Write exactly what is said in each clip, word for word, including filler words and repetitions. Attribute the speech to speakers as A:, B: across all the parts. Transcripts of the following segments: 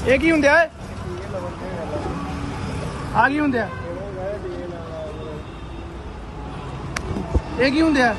A: ਇਹ ਕੀ ਹੁੰਦਾ ਹੈ? ਆ ਕੀ ਹੁੰਦਾ? ਇਹ ਕੀ ਹੁੰਦਾ?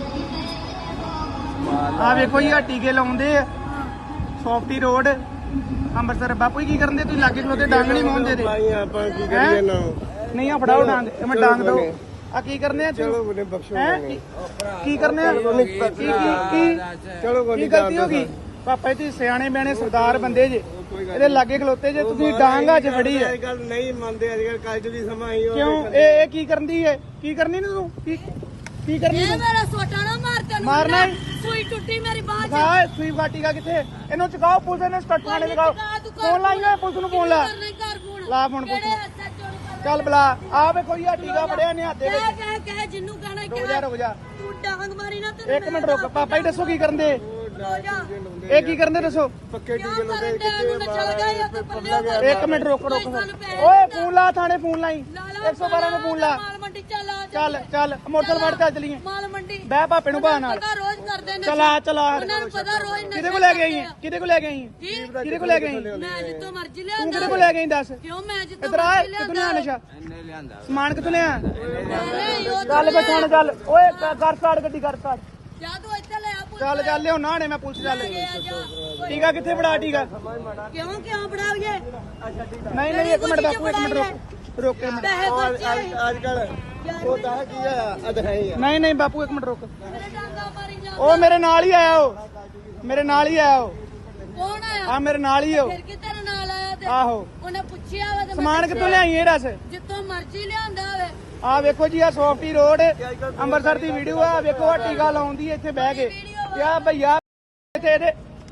A: ਆ ਵੇਖੋ ਜੀ, ਆ ਟੀਕੇ ਲਾਉਂਦੇ ਆ ਸੌਫਟੀ ਰੋਡ ਅੰਮ੍ਰਿਤਸਰ। ਬਾਪੂ ਜੀ ਕੀ ਕਰਨ ਦੇ? ਤੁਸੀਂ ਲਾਗੇ ਖਲੋਤੇ ਡਾਂਗ ਨਹੀਂ ਮੋਹਦੇ ਦੇ।
B: ਆਪਾਂ ਕੀ ਕਰੀਏ ਨਾ?
A: ਨਹੀਂ ਆ ਫੜਾਓ ਡਾਂਗ, ਮੈਂ ਡਾਂਗ ਦੋ। ਆ ਕੀ ਕਰਨੇ ਆ?
B: ਚਲੋ ਬਨੇ ਬਖਸ਼ੋ।
A: ਕੀ ਕਰਨੇ ਆ? ਕੀ ਕੀ
B: ਚਲੋ
A: ਕੀ ਗਲਤੀ ਹੋ ਗਈ? ਪਾਪਾ ਜੀ ਸਿਆਣੇ ਬਿਆਣੇ ਸਰਦਾਰ ਬੰਦੇ ਜੇ, ਇਹਦੇ ਲਾਗੇ ਖਲੋਤੇ ਜੇ, ਤੁਸੀਂ ਡਾਂਗ ਅੱਜ ਫੜੀ ਹੈ।
B: ਇਹ ਗੱਲ ਨਹੀਂ ਮੰਨਦੇ ਅੱਜ ਕੱਲ, ਕੱਜ ਵੀ ਸਮਾਂ ਹੀ ਹੋ।
A: ਕਿਉਂ? ਇਹ ਇਹ ਕੀ ਕਰਦੀ ਹੈ? ਕੀ ਕਰਨੀ ਨੀ ਤੂੰ? ਕੀ ਕੀ ਕਰਨੀ?
C: ਇਹ ਮੇਰਾ ਸੋਟਾ ਨਾ ਮਾਰ ਤੈਨੂੰ।
A: ਮਾਰਨਾ
C: ਸੂਈ ਟੁੱਟੀ ਮੇਰੀ ਬਾਹ 'ਚ।
A: ਹਾਂ, ਸੂਈ ਵਾਟੀਗਾ ਕਿੱਥੇ? ਇਹਨੂੰ ਚਕਾਓ, ਪੁਲਿਸ ਨੇ ਸਟੱਟ ਥਾਣੇ ਲਗਾਓ। ਫੋਨ ਲਾਈ ਹੋਇਆ ਪੁਲਿਸ ਨੂੰ, ਫੋਨ ਲਾ ਲਾ ਫੋਨ ਪੁਲਿਸ ਨੂੰ। ਚੱਲ ਬਲਾ। ਆ ਵੇਖੋ ਜੀ, ਆ ਟੀਕਾ ਫੜਿਆ ਨੇ ਹੱਥ ਦੇ ਵਿੱਚ।
C: ਕਹਿ ਕਹਿ ਕਹਿ ਜਿੰਨੂੰ ਕਹਿਣਾ
A: ਰੁਕ ਜਾ ਰੁਕ ਜਾ
C: ਤੂੰ ਡਾਂਗ ਮਾਰੀ ਨਾ ਤੈਨੂੰ।
A: ਇੱਕ ਮਿੰਟ ਰੁਕ। ਪਾਪਾ ਜੀ ਦੱਸੋ ਕੀ ਕਰਨ ਦੇ?
C: ਰੋ ਜਾ।
A: ਇਹ ਕੀ ਕਰਨ ਦੇ ਦੱਸੋ?
B: ਪੱਕੇ
C: ਕਿਉਂ
B: ਟੀਕੇ
C: ਕਰਨ
B: ਲਾਉਂਦੇ
C: ਡਿਆ ਨੂੰ? ਮੈਂ ਚੱਲ ਗਈ ਉੱਥੇ ਪੱਲਿਓ ਕਰ।
A: ਇੱਕ ਮਿੰਟ ਰੁਕ ਰੁਕ। ਓਏ ਫੋਨ ਲਾ ਥਾਣੇ, ਫੋਨ ਲਾਈ ਇੱਕ ਸੌ ਬਾਰਾਂ ਨੂੰ ਫੋਨ ਲਾ।
C: ਮਾਲ ਮੰਡੀ ਚੱਲ ਆ।
A: ਚੱਲ ਚੱਲ ਮੋਟਰਸਾਈਕਲ ਫੜ ਚੱਲ ਚਲੀਏ।
C: ਮਾਲ ਮੰਡੀ
A: ਬਹਿ ਪਾਪੇ ਨੂੰ ਬਾਹ ਨਾਲ।
C: ਪਤਾ ਰੋਜ਼ ਕਰਦੇ ਨੇ।
A: ਚਲਾ ਚਲਾ।
C: ਉਹਨਾਂ ਨੂੰ ਪਤਾ ਰੋਜ਼ ਨਸ਼ਾ
A: ਕਿਹਦੇ ਕੋਲ ਲੈ ਕੇ ਆਈ? ਕਿਹਦੇ ਕੋਲ ਲੈ ਕੇ ਆਈ?
C: ਜੀ
A: ਕਿਹਦੇ ਕੋਲ ਲੈ ਕੇ ਆਈ?
C: ਮੈਂ ਜਿੱਤੋਂ ਮਰਜ਼ੀ
A: ਤੂੰ
C: ਲਿਆਂਦਾ।
A: ਕਿਹਦੇ ਕੋਲ ਲੈ ਕੇ ਆਈ ਦੱਸ?
C: ਕਿਉਂ ਮੈਂ ਜਿੱਤੋਂ
A: ਇਧਰ ਆ।
C: ਮਰਜ਼ੀ
A: ਕਿੱਥੋਂ
C: ਲਿਆਂਦਾ।
A: ਲਿਆ ਨਸ਼ਾ? ਸਮਾਨ ਕਿੱਥੋਂ ਲਿਆ?
C: ਨਹੀਂ, ਉਹ
A: ਚੱਲ ਬੈ ਥਾਣੇ ਚੱਲ। ਓਏ ਕਰ ਸਟਾਰਟ ਗੱਡੀ, ਕਰ ਸਟਾਰਟ।
C: ਜਾ ਤੂੰ ਇੱਥੇ ਲੈ ਆ ਪੁੱਤ।
A: ਚੱਲ ਚੱਲ ਲਿਆਉਣਾ ਨੇ ਮੈਂ ਪੁਲਿਸ ਚੱਲ।
C: ਜਾ।
A: ਟੀਕਾ ਕਿੱਥੇ ਫੜਾ? ਟੀਕਾ
C: ਕਿਉਂ ਕਿਉਂ ਫੜਾਵੀਏ?
A: ਨਹੀਂ ਨਹੀਂ ਇੱਕ ਮਿੰਟ ਬਾਪੂ, ਇੱਕ ਮਿੰਟ ਰੁਕ ਰੁਕ ਇੱਕ ਮਿੰਟ।
C: ਪੈਸੇ ਖਰਚੇ।
B: ਅੱਜ ਕੱਲ ਉਹ ਤਾਂ ਕੀ ਆ ਅਧ ਹੈ ਹੀ ਆ।
A: ਨਹੀਂ ਨਹੀਂ ਬਾਪੂ ਇੱਕ ਮਿੰਟ ਰੁਕ।
C: ਮੇਰੇ ਡਾਂਗਾ ਮਾਰੀ ਜਾ।
A: ਉਹ ਮੇਰੇ ਨਾਲ ਹੀ ਆਇਆ, ਉਹ ਮੇਰੇ ਨਾਲ ਹੀ ਆਇਆ। ਉਹ
C: ਕੌਣ ਆਇਆ?
A: ਆ ਮੇਰੇ ਨਾਲ ਹੀ ਉਹ।
C: ਫਿਰ ਕਿ ਤੇਰੇ ਨਾਲ ਆਇਆ ਤੇ
A: ਆਹੋ।
C: ਉਹਨੇ ਪੁੱਛਿਆ ਵਾ ਤੇ ਮੈਂ
A: ਸਮਾਨ ਕਿੱਥੋਂ ਲਿਆਈ ਇਹ ਦੱਸ?
C: ਜਿੱਤੋਂ ਮਰਜ਼ੀ ਲਿਆਂਦਾ ਹੋਵੇ।
A: ਆ ਵੇਖੋ ਜੀ, ਆ ਸੌਫਟੀ ਰੋਡ ਅੰਮ੍ਰਿਤਸਰ ਦੀ ਵੀਡੀਓ ਆ। ਵੇਖੋ ਆ ਟੀਕਾ ਲਾਉਂਦੀ ਇੱਥੇ ਬਹਿ ਕੇ। ਯਾ ਭਈਆ ਇੱਥੇ ਇਹਦੇ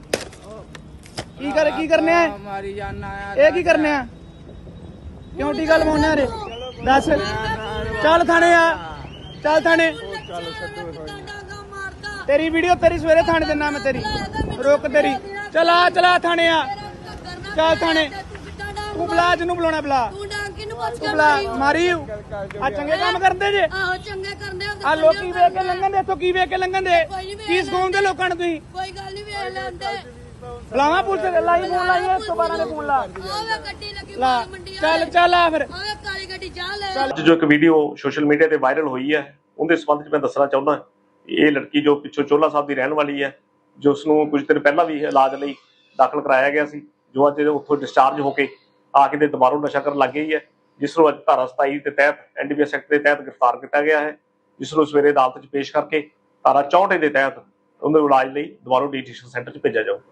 A: ਕੀ ਕਰ ਕੀ ਕਰਨੇ ਆ?
D: ਮਾਰੀ ਜਾਨਾ ਆ।
A: ਇਹ ਕੀ ਕਰਨੇ ਆ? ਕਿਉਂ ਟੀਕਾ ਲਵਾਉਣਾ ਰੇ? ਦੱਸ। ਚੱਲ ਥਾਣੇ ਆ, ਚੱਲ ਥਾਣੇ।
C: ਕਿੱਦਾਂ ਡਾਂਗਾ ਮਾਰਦਾ?
A: ਤੇਰੀ ਵੀਡੀਓ ਤੇਰੀ ਸਵੇਰੇ ਥਾਣੇ ਦਿੰਦਾ ਮੈਂ ਤੇਰੀ। ਰੁਕ ਤੇਰੀ। ਚਲਾ ਚਲਾ ਥਾਣੇ ਆ। ਚੱਲ ਥਾਣੇ। ਤੂੰ ਬੁਲਾ ਜਿਹਨੂੰ ਬੁਲਾਉਣਾ ਬੁਲਾ।
C: ਤੂੰ ਡਾਂਗ ਕਿਨੂੰ ਪੁੱਛ
A: ਤੂੰ
C: ਕੇ
A: ਬੁਲਾ।
C: ਮਾਰੀ?
A: ਮਾਰੀ ਆ ਚੰਗੇ ਕੰਮ ਕਰਦੇ ਜੇ।
C: ਆਹੋ ਚੰਗੇ ਕਰਦੇ ਹੋ।
A: ਆ ਲੋਕੀ ਵੇਖ ਕੇ ਲੰਘਣ ਦੇ, ਇੱਥੋਂ ਕੀ ਵੇਖ ਕੇ ਲੰਘਣ ਦੇ? ਕੀ ਸਿਖਾਉਂਦੇ ਲੋਕਾਂ ਨੂੰ ਤੁਸੀਂ?
C: ਕੋਈ ਗੱਲ ਨਹੀਂ ਵੇਖ ਲੈਂਦੇ।
A: ਬੁਲਾਵਾ ਪੁਲਿਸ ਲਾਈ, ਫੋਨ ਲਾਈ ਇੱਕ ਸੌ ਬਾਰਾਂ ਦੇ ਫੋਨ ਲਾ
C: ਆਵੇ ਗੱਡੀ ਲੱਗੀ
A: ਲਾ।
C: ਮਾਲ ਮੰਡੀ।
A: ਚੱਲ ਚੱਲ ਆ ਫਿਰ।
C: ਆਵੇ ਕਾਲੀ ਗੱਡੀ ਜਾ ਲੈ।
E: ਅੱਜ ਜੋ ਇੱਕ ਵੀਡੀਓ ਸੋਸ਼ਲ ਮੀਡੀਆ ਤੇ ਵਾਇਰਲ ਹੋਈ ਹੈ, ਉਹਦੇ ਸੰਬੰਧ ਵਿੱਚ ਮੈਂ ਦੱਸਣਾ ਚਾਹੁੰਦਾ। ਇਹ ਲੜਕੀ ਜੋ ਪਿੱਛੋਂ ਚੋਲਾ ਸਾਹਿਬ ਦੀ ਰਹਿਣ ਵਾਲੀ ਹੈ, ਜੋ ਉਸ ਨੂੰ ਕੁਝ ਦਿਨ ਪਹਿਲਾਂ ਵੀ ਇਲਾਜ ਲਈ ਦਾਖਲ ਕਰਾਇਆ ਗਿਆ ਸੀ, ਜੋ ਅੱਜ ਉੱਥੋਂ ਡਿਸਚਾਰਜ ਹੋ ਕੇ ਆ ਕੇ ਤੇ ਦੁਬਾਰਾ ਨਸ਼ਾ ਕਰਨ ਲੱਗ ਗਈ ਹੈ, ਜਿਸ ਨੂੰ ਅੱਜ ਧਾਰਾ ਸਤਾਈ ਦੇ ਤਹਿਤ N D P S act ਦੇ ਤਹਿਤ ਗ੍ਰਿਫਤਾਰ ਕੀਤਾ ਗਿਆ ਹੈ, ਜਿਸ ਨੂੰ ਸਵੇਰੇ ਅਦਾਲਤ 'ਚ ਪੇਸ਼ ਕਰਕੇ ਧਾਰਾ ਚੌਂਹਠ ਦੇ ਤਹਿਤ ਉਹਨੂੰ ਇਲਾਜ ਲਈ ਦੁਬਾਰਾ ਡੀਟੀਸ਼ਨ ਸੈਂਟਰ 'ਚ ਭੇਜਿਆ ਜਾਊ।